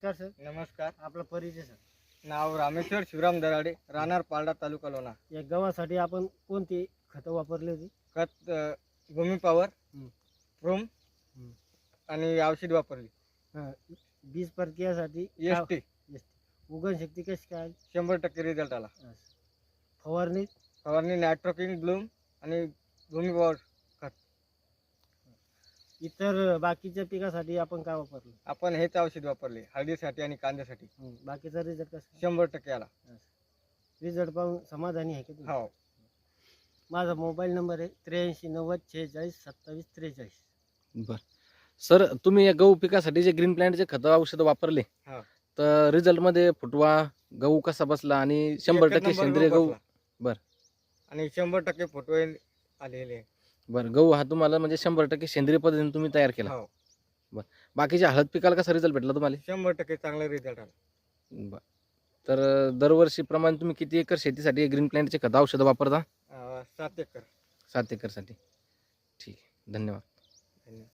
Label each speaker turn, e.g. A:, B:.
A: नमस्कार सर.
B: नमस्कार.
A: आपला परिचय सर.
B: नाव रामेश्वर शिवराम दराडे, राहणार पालडा, तालुका लोणा.
A: या गव्हासाठी आपण कोणती खतं वापरली होती?
B: खत भूमी पॉवर,
A: हं.
B: प्रोम
A: हं.
B: आणि औषध वापरली.
A: बीज प्रक्रियासाठी
B: एसटी
A: उगवण शक्ती कशी काय?
B: 100% रिझल्ट आला.
A: फवारणी
B: फवारणी नायट्रोकिन, ब्लूम आणि भूमी पॉवर.
A: इतर बाकीच्या पिकासाठी आपण काय वापरलं?
B: आपण हेच औषध वापरले हळदीसाठी आणि कांद्यासाठी.
A: बाकीचा रिझल्ट कसा?
B: 100% आला.
A: रिझल्ट पाहून समाधानी आहे का तुम्ही?
B: हो.
A: माझा मोबाईल नंबर आहे 83 90 46 27 43.
C: बर सर, तुम्ही या गहू पिकासाठी जे ग्रीन प्लॅन्टचे खत औषध वापरले
B: हा.
C: तर रिझल्ट मध्ये फुटवा गहू कसा बसला आणि 100%
B: एकच नंबर
C: सेंद्रिय गहू
B: बसला.
C: बर.
B: आणि 100% फोटो आलेले.
C: बर, गहू हा तुम्हाला म्हणजे 100% सेंद्रिय पद्धतीने तुम्ही तयार केला.
B: हो.
C: बाकीच्या हळद पिकाला कसा रिझल्ट भेटला तुम्हाला?
B: 100% चांगला रिझल्ट आला.
C: बर. तर दरवर्षी प्रमाणे तुम्ही किती एकर शेतीसाठी ग्रीन प्लॅन्टचे खत औषध वापरता?
B: 7 एकर.
C: 7 एकरसाठी. ठीक आहे, धन्यवाद.
B: धन्यवाद.